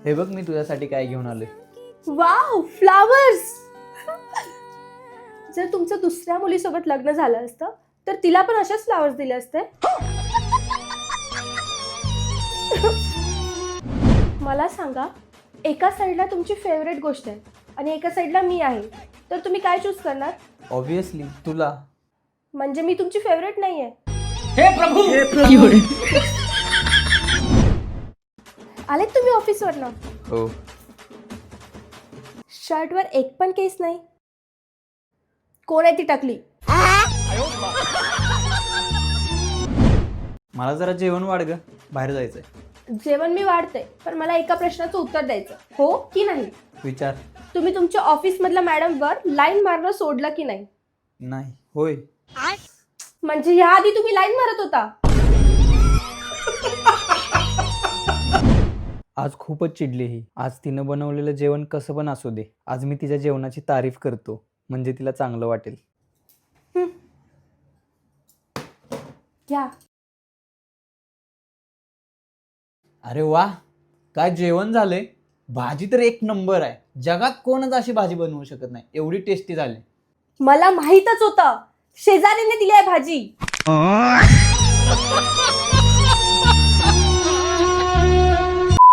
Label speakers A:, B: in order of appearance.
A: हे बघ मी तुझ्यासाठी काय घेऊन आलोय.
B: Wow, flowers. जर तुमचं दुसऱ्या मुलीसोबत लग्न झालं असतं तर तिला पण अशाच फ्लावर्स दिले असते. मला सांगा, एका साईडला तुमची फेवरेट गोष्ट आहे आणि एका साईडला मी आहे, तर तुम्ही काय चूज करणार?
A: ऑब्विसली तुला.
B: म्हणजे मी तुमची फेवरेट नाहीये.
A: हे प्रभू.
B: आलेत तुम्ही ऑफिसवरनं?
A: हो.
B: शर्टवर एक पण केस नाही. कोण आहे ती टकली?
A: मला जरा जेवण वाढ ग, बाहेर जायचंय.
B: जेवण मी वाढते, पण मला एका प्रश्नाचं उत्तर द्यायचं, हो की नाही.
A: विचार.
B: तुम्ही तुमच्या ऑफिस मधल्या मॅडमवर लाईन मारणं सोडलं की नाही?
A: नाही. होय.
B: म्हणजे याआधी तुम्ही लाईन मारत होता?
A: आज खूपच चिडली ही. आज तिनं बनवलेलं जेवण कसं पण असू दे, आज मी तिच्या जेवणाची तारीफ करतो, म्हणजे तिला चांगलं वाटेल.
B: घ्या.
A: अरे वा, काय जेवण झालंय. भाजी तर एक नंबर आहे. जगात कोणच अशी भाजी बनवू शकत नाही, एवढी टेस्टी झाली.
B: मला माहीतच होतं, शेजारीने दिली आहे भाजी.